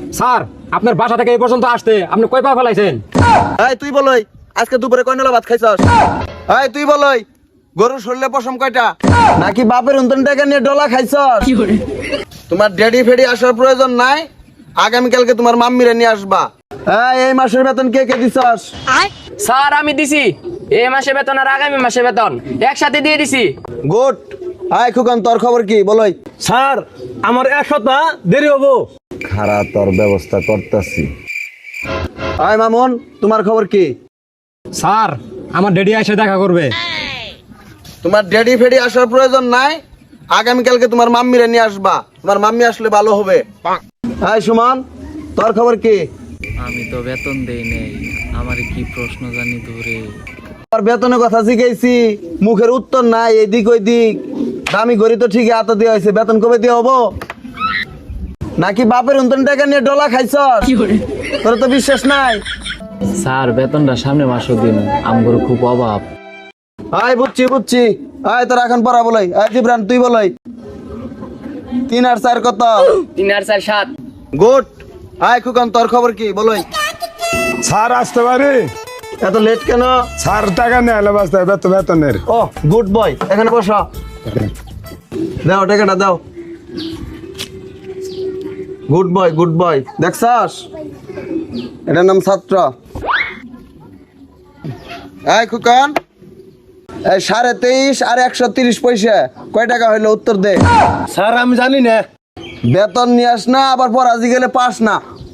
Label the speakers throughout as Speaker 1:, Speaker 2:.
Speaker 1: Sir আপনার বাসা থেকে এই পর্যন্ত আসতে আপনি কয় পা ফেলাইছেন?
Speaker 2: এই তুই বলই আজকে দুপুরে কয় নলা ভাত খাইছস? এই তুই বলই গরুর শরীরে পশম কয়টা? নাকি বাপের উন্তন টাকা নিয়ে ডলা খাইছস? তোমার ড্যাডি ফেডি আসার প্রয়োজন নাই, আগামীকালকে তোমার মাম্মিরে নিয়ে আসবা। এই মাসের বেতন কে কে দিছস?
Speaker 3: স্যার আমি দিছি এই মাসে বেতন আর আগামী মাসে বেতন একসাথে দিয়ে দিছি।
Speaker 2: গুড। হাই খুকন, তোর খবর কি বলই?
Speaker 1: স্যার আমার এক সপ্তাহ দেরি হবো।
Speaker 2: খারাপ তোর ব্যবস্থা করতেছি। হাই মামুন, তোমার খবর কি?
Speaker 1: স্যার আমার ড্যাডি এসে দেখা করবে।
Speaker 2: তোমার ড্যাডি ফেডি আসার প্রয়োজন নাই, আগামীকালকে তোমার মাম্মিরে নিয়ে আসবা। তোমার মাম্মি আসলে ভালো হবে। হাই সুমন, তোর খবর কি?
Speaker 4: আমি তো বেতন দেই নেই, আমার কি প্রশ্ন জানি ধরে।
Speaker 2: তোর বেতনের কথা জিজ্ঞাসি, মুখের উত্তর নাই, এদিক ওই দিক। দামি ঘড়ি তো ঠিকই হাতে দেওয়া হয়েছে, বেতন কবে দিয়ে হবো? নাকি বাপের উন্তন টাকা নিয়ে ডলা খাইছস? তোর তো বিশ্বাস নাই।
Speaker 4: স্যার বেতনটা সামনে মাসও দিন, আমার খুব অভাব।
Speaker 2: আয় বুঝছি বুঝছি। আয় তোর এখন পড়া বলাই। আয় জিবরান তুই বলাই। 3 আর 4 কত?
Speaker 3: 3 আর 4 7।
Speaker 2: গুড। আয় খুকন, তোর খবর কি বলই?
Speaker 5: স্যার আসতে পারি?
Speaker 2: এত লেট কেন?
Speaker 5: স্যার টাকা নেই হলে বাঁচতে হবে বেতনের।
Speaker 2: ও গুড বয়, এখানে বসো। দাও টাকাটা দাও। Good boy good boy. দেখছস, এটার নাম ছাত্র। এই খুকন, এই 23.5 আর 130 পয়সা কয় টাকা হইলো উত্তর দে।
Speaker 1: স্যার আমি জানি না।
Speaker 2: বেতন নিয়ে আস না, আবার পরাজি গেলে পাস না।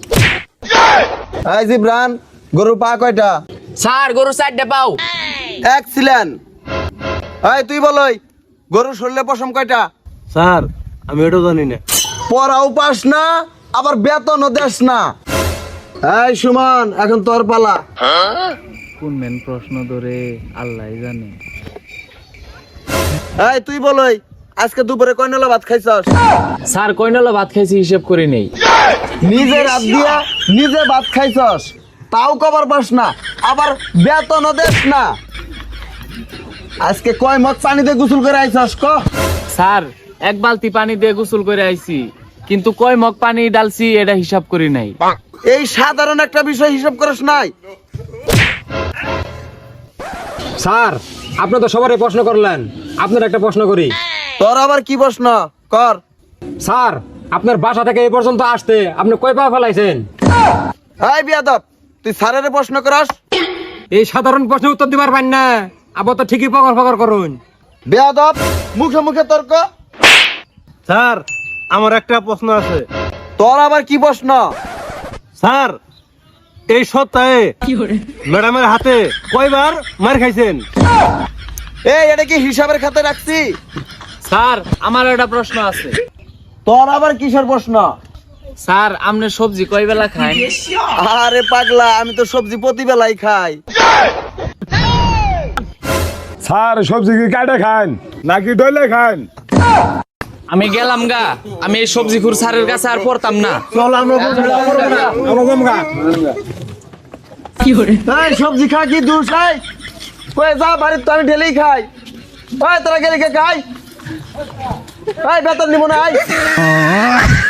Speaker 2: এই জিবরান, গরুর পা কয়টা?
Speaker 3: স্যার গরু 4টে পাও।
Speaker 2: এক্সিলেন্ট। এই তুই বলই গরুর শরীরে পশম কয়টা?
Speaker 1: স্যার আমি এটাও জানি না।
Speaker 2: পড়াও পাস না, আবার বেতনও দেস না। এই সুমন, এখন তোর পালা।
Speaker 4: কোন মেন প্রশ্ন ধরে আল্লাহ জানে।
Speaker 2: এই তুই বলই আজকে দুপুরে কয় নলা ভাত খাইছস?
Speaker 4: স্যার কয়নালা ভাত খাইছি হিসেব করে নেই।
Speaker 2: নিজে রাত দিয়া নিজে ভাত খাইছস, তাও কবার পাস না, আবার বেতনও দেস না। আজকে কয় মগ পানিতে গোসল করে আইছস ক?
Speaker 4: স্যার 1 বালতি পানি দিয়ে গোসল করে আইছি, কিন্তু কয় মগ পানি ডালছি এটা হিসাব করি নাই।
Speaker 2: এই সাধারণ একটা বিষয় হিসাব করিস নাই?
Speaker 1: স্যার আপনি তো সবারই প্রশ্ন করলেন, আপনার একটা প্রশ্ন করি।
Speaker 2: তোর আবার কি প্রশ্ন কর?
Speaker 1: স্যার আপনার বাসা থেকে এই পর্যন্ত আসতে আপনি কয় পা ফেলাইছেন?
Speaker 2: এই বিয়াদব, তুই স্যারের প্রশ্ন করস?
Speaker 1: এই সাধারণ প্রশ্নের উত্তর দিবার পারেন না, আবার তো ঠিকই পকর পকর করুন।
Speaker 2: বেয়াদব, মুখে মুখে তর্ক।
Speaker 6: স্যার আমার একটা প্রশ্ন আছে।
Speaker 2: তোর আবার কি প্রশ্ন?
Speaker 6: স্যার এই সপ্তাহে ম্যাডামের হাতে কয়বার মার খাইছেন?
Speaker 2: এই এটা কি হিসাবের খাতে রাখছি?
Speaker 4: স্যার আমার একটা প্রশ্ন আছে।
Speaker 2: তোর আবার কিসের প্রশ্ন?
Speaker 4: স্যার আপনি সবজি কয় বেলা খান?
Speaker 2: আরে পাগলা, আমি তো সবজি প্রতিবেলাই খাই।
Speaker 5: স্যার সবজি কি কাটে খান নাকি ডলে খান?
Speaker 4: আমি গেলাম গা, আমি এই সবজি খুর স্যারের কাছে আর পড়তাম না।
Speaker 2: চল আমরা এই সবজি খা কি দূর খাই? কই যা বাড়ির, তো আমি ঢেলেই খাই। ওই তোরা গেলে কে খাই? এই বেতন নিব না।